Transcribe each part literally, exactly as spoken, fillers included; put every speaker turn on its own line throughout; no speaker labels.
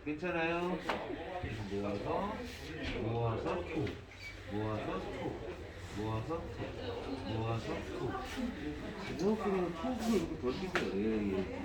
괜찮아요? 모아서 모아서 톡 모아서 톡 모아서 톡 모아서 톡 이거 그냥 톡으로 이렇게 벌리세요. 예, 예.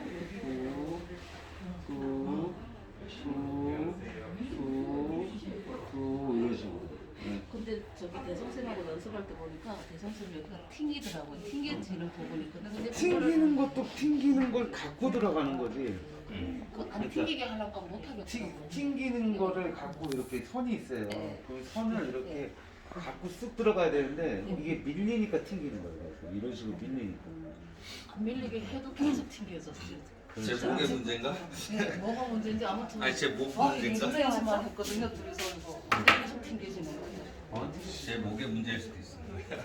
톡, 톡, 톡, 톡 이런 식으로. 네.
근데 저기 대성쌤하고 연습할 때 보니까 대성쌤 여기가 튕기더라고요. 튕겨지는 부분이 있거든. 근데
튕기는 것도 튕기는 걸 갖고 들어가는 거지.
그, 안 튕기게 하려고 하면 못
튕,
하겠더라고요.
튕기는 거를 갖고 이렇게 선이 있어요.
네.
그 선을 이렇게 갖고 쑥 들어가야 되는데 이게 밀리니까 튕기는 거예요. 그래서 이런 식으로 밀리니까.
안 밀리게 해도 계속 튕겨졌어요.
제 목의 문제인가?
네, 뭐가 문제인지 아무튼.
아니, 제 목
아,
문제인가?
연습만 했거든요, 둘이서 이거. 근데 계속 튕겨지는 거예요.
어?
제 목의 문제일 수도 있어.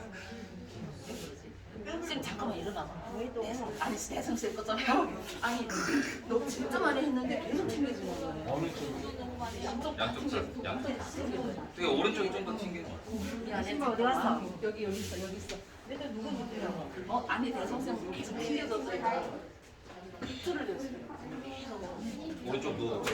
쌤 잠깐만 일어나봐. 대성, 아니 대성 쌤 거잖아요. 아니 너 진짜 많이 했는데 계속 튕겨지는 거예요.
어느 쪽으로?
양쪽
양쪽 다,
튕겨.
양쪽.
튕겨.
되게 오른쪽이 좀 더 튕기는 거.
신발 어디 갔어? 여기 여기 있어 여기 있어. 일단 누구 누구야? 어 아니 대성 쌤 계속 튕겨졌어요. 이틀을 됐어요. 계속.
오른쪽도.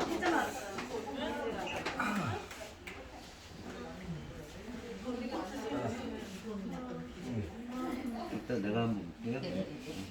일단 내가 한번 볼게요.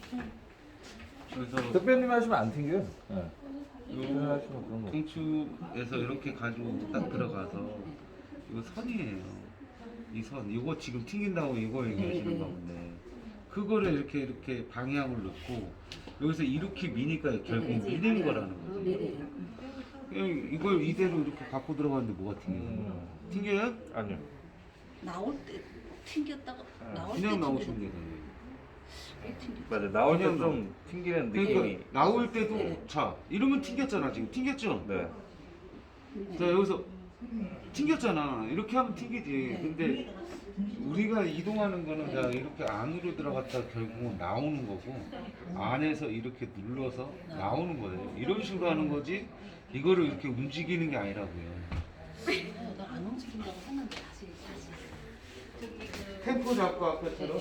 그래서
대표님 하시면 안 튕겨요. 네.
요
하시면 그런 거.
중축에서 이렇게 가지고 딱 들어가서 이거 선이에요. 이 선, 이거 지금 튕긴다고 이거 얘기하시는 건데 그거를 이렇게 이렇게 방향을 넣고 여기서 이렇게 미니까 결국 밀리는 거라는 거지. 그냥 이걸 이대로 이렇게 갖고 들어가는데 뭐가 튕겨요?
음.
튕겨요?
아니요.
나올 때 튕겼다가 나올 때
그냥 나오시면
튕겨지는
되잖아요.
게 튕겨.
맞아. 나올 때
그냥
좀 튕기는 느낌이.
그러니까 나올 때도 자 이러면 튕겼잖아 지금 튕겼죠?
네.
자 여기서 튕겼잖아. 이렇게 하면 튕기지. 근데 우리가 이동하는 거는 자 이렇게 안으로 들어갔다 결국은 나오는 거고 안에서 이렇게 눌러서 나오는 거예요. 이런 식으로 하는 거지 이거를 이렇게 움직이는 게 아니라고요.
나안 움직인다고 했는데 다시 다시. 저기 그
템포 잡고 아까처럼.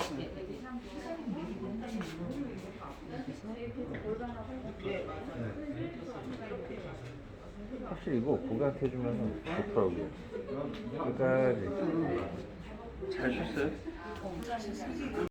확실히 이거 고객한테 해주면 좋더라고요. 그러니까 잘 쉬었어요.
어, 잘하셨어요.